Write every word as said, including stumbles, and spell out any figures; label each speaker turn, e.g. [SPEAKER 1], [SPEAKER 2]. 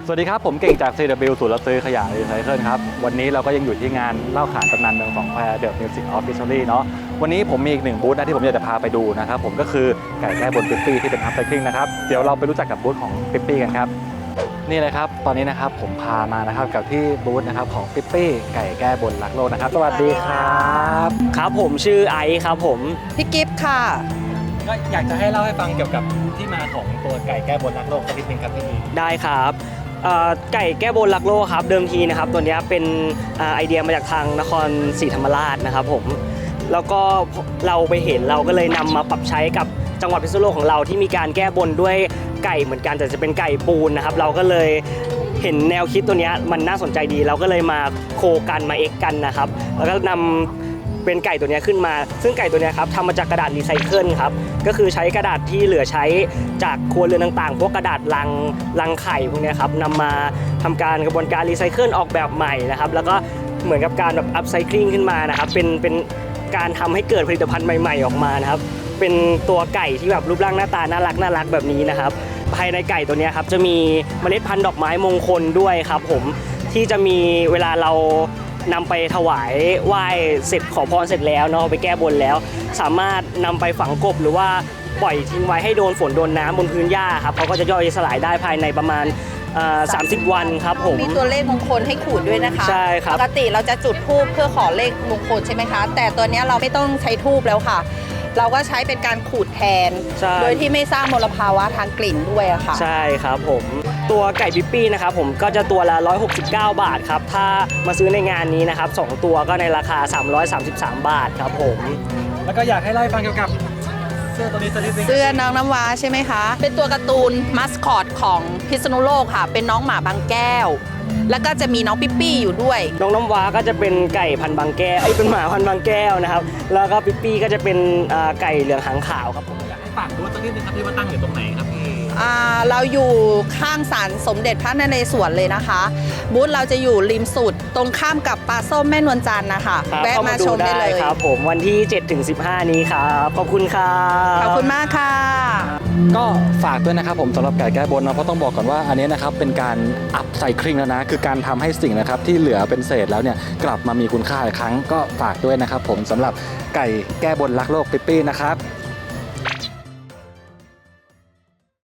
[SPEAKER 1] สวัสดีครับผมเก่งจาก ซี ดับเบิลยู ศูนย์รับซื้อขยะรีไซเคิลครับวันนี้เราก็ยังอยู่ที่งานเล่าขานตำนานเมืองสองแควเดอะมิวสิกออฟฟิเชียลเนาะวันนี้ผมมีอีกหนึ่งบูธนะที่ผมอยากจะพาไปดูนะครับผมก็คือไก่แก้บนปิ๊ปปี้ที่เป็นอัพไซคลิงนะครับเดี๋ยวเราไปรู้จักกับบูธของปิ๊ปปี้กันครับนี่เลยครับตอนนี้นะครับผมพามานะครับกับที่บูธนะครับของปิ๊ปปี้ไก่แก้บนรักโลกนะครับสวัสดีครับ
[SPEAKER 2] ครับผมชื่อไอซ์ครับผม
[SPEAKER 3] พี่กิฟต์ค่ะ
[SPEAKER 1] ก็อยากจะให้เล่าให้ฟังเกี่ยวกับที่มาของตัวไก่แก้บนรักโลกสักนิดนึงครับพี่
[SPEAKER 2] ได้ครับไก่แก้บนรักโลกครับเดิมทีนะครับตัวนี้เป็นไอเดียมาจากทางนครศรีธรรมราชนะครับผมแล้วก็เราไปเห็นเราก็เลยนำมาปรับใช้กับจังหวัดพิษณุโลกของเราที่มีการแก้บนด้วยไก่เหมือนกันแต่จะเป็นไก่ปูนนะครับเราก็เลยเห็นแนวคิดตัวนี้มันน่าสนใจดีเราก็เลยมาโคกันมาเอ็กกันนะครับแล้วก็นำเป็นไก่ตัวนี้ขึ้นมาซึ่งไก่ตัวนี้ครับทำมาจากกระดาษรีไซเคิลครับก็คือใช้กระดาษที่เหลือใช้จากครัวเรือนต่างๆพวกกระดาษลังลังไข่พวกนี้ครับนำมาทำการกระบวนการรีไซเคิลออกแบบใหม่นะครับแล้วก็เหมือนกับการแบบอัพไซคลิงขึ้นมานะครับเป็นเป็นการทำให้เกิดผลิตภัณฑ์ใหม่ๆออกมานะครับเป็นตัวไก่ที่แบบรูปร่างหน้าตาน่ารักน่ารักแบบนี้นะครับภายในไก่ตัวนี้ครับจะมีเมล็ดพันธุ์ดอกไม้มงคลด้วยครับผมที่จะมีเวลาเรานำไปถวายไหว้เสร็จขอพรเสร็จแล้วเนาะไปแก้บนแล้วสามารถนำไปฝังกบหรือว่าปล่อยทิ้งไว้ให้โดนฝนโดนน้ำบนพื้นหญ้าครับเขาก็จะย่อยสลายได้ภายในประมาณสามสิบวันครับผม
[SPEAKER 3] มีตัวเลขมงคลให้ขูดด้วยนะคะ
[SPEAKER 2] ใช่ครับ
[SPEAKER 3] ปกติเราจะจุดธูปเพื่อขอเลขมงคลใช่ไหมคะแต่ตัวนี้เราไม่ต้องใช้ธูปแล้วค่ะเราก็ใช้เป็นการขูดแทนโดยที่ไม่สร้างมลภาวะทางกลิ่นด้วยอะค่ะ
[SPEAKER 2] ใช่ครับผมตัวไก่ปิ๊ปปี้นะครับผมก็จะตัวละหนึ่งร้อยหกสิบเก้าบาทครับถ้ามาซื้อในงานนี้นะครับสองตัวก็ในราคาสามร้อยสามสิบสามบาทครับผม
[SPEAKER 1] แล้วก็อยากให้เล่าให้ฟังเกี่ยวกับเสื้อตัวนี้สักนิดนึง
[SPEAKER 3] เสื้อน้องน้ำว้าใช่ไหมคะเป็นตัวการ์ตูนมัสคอตของพิษณุโลกค่ะเป็นน้องหมาบางแก้วแล้วก็จะมีน้องปิ๊ปปี้อยู่ด้วย
[SPEAKER 2] น้องน้ำว้าก็จะเป็นไก่พันบางแก้วไอ้เป็นหมาพันบางแก้วนะครับแล้วก็ปิ๊ปปี้ก็จะเป็นไก่เหลืองหางขาวครับผม
[SPEAKER 1] อยากให้ฝากดูสักนิดนึงครับที่ว่าตั้งอยู่ตรงไหนครับพี่
[SPEAKER 3] เราอยู่ข้างศาลสมเด็จพระนเรศวรเลยนะคะบูธเราจะอยู่ริมสุดตรงข้ามกับปลาส้มแม่นวลจันทร์นะคะแวะมาชมได้เลย
[SPEAKER 2] ครับผมวันที่ เจ็ดถึงสิบห้า นี้ครับขอบคุณครับ
[SPEAKER 3] ขอบคุณมากค่ะ
[SPEAKER 1] ก็ฝากด้วยนะครับผมสำหรับไก่แก้บนนะเพราะต้องบอกก่อนว่าอันนี้นะครับเป็นการอัพไซคลิงแล้วนะคือการทำให้สิ่งนะครับที่เหลือเป็นเศษแล้วเนี่ยกลับมามีคุณค่าอีกครั้งก็ฝากด้วยนะครับผมสำหรับไก่แก้บนรักโลกปิ๊ปปี้นะครับ